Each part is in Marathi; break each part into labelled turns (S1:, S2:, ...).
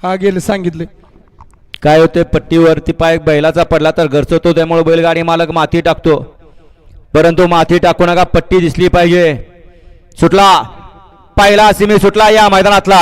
S1: हा गेले सांगितले.
S2: काय होते पट्टीवरती पाय बैलाचा पडला तर घरचतो त्यामुळे बैलगाडी मालक माती टाकतो परंतु माती टाकू नका पट्टी दिसली पाहिजे. सुटला पहिला सिमी सुटला या मैदानातला.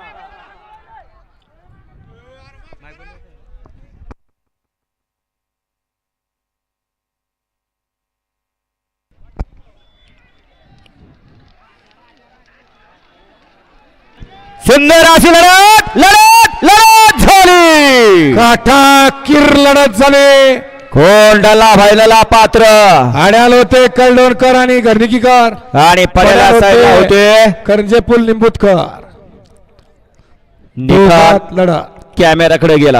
S2: सुंदर अशी लढत लढत लढत झाली.
S1: काठाकीर लढत झाली.
S2: कोंडाला व्हायला पात्र
S1: आड्याल होते कळडोणकर आणि घरनिकीकर
S2: आणि पड्याला साईडला होते
S1: करंजेपूल निंबूतकर.
S2: निकाल
S1: लढत
S2: कॅमेराकडे गेला.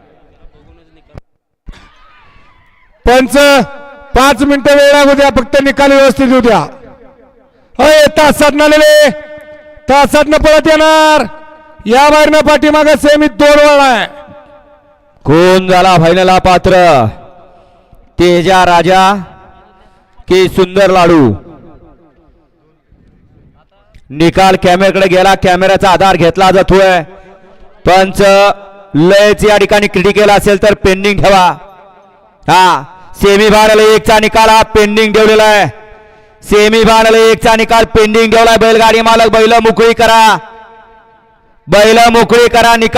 S1: पंच 5 मिनिटं वेळ लागू द्या फक्त निकाल व्यवस्थित होऊ द्या. अय तासात नालेले तासात न पळत येणार या बाहेरनं पाठीमागे सेमीत 2 वळ आहे.
S2: कोण झाला फायनलला पात्र तेजा राजा की सुंदर लाडू. निकाल कॅमेराकडे गेला. कॅमेराचा आधार घेतला जातोय. पंच लयच या ठिकाणी क्रिटिकल असेल तर पेंडिंग ठेवा. हा सेमी फायनल 1 चा निकाल हा पेंडिंग ठेवलेला आहे. सेमी फायनल 1 चा निकाल पेंडिंग ठेवलाय. बैलगाडी मालक बैल मोकळी करा. बैल मोकळी करा. निकाल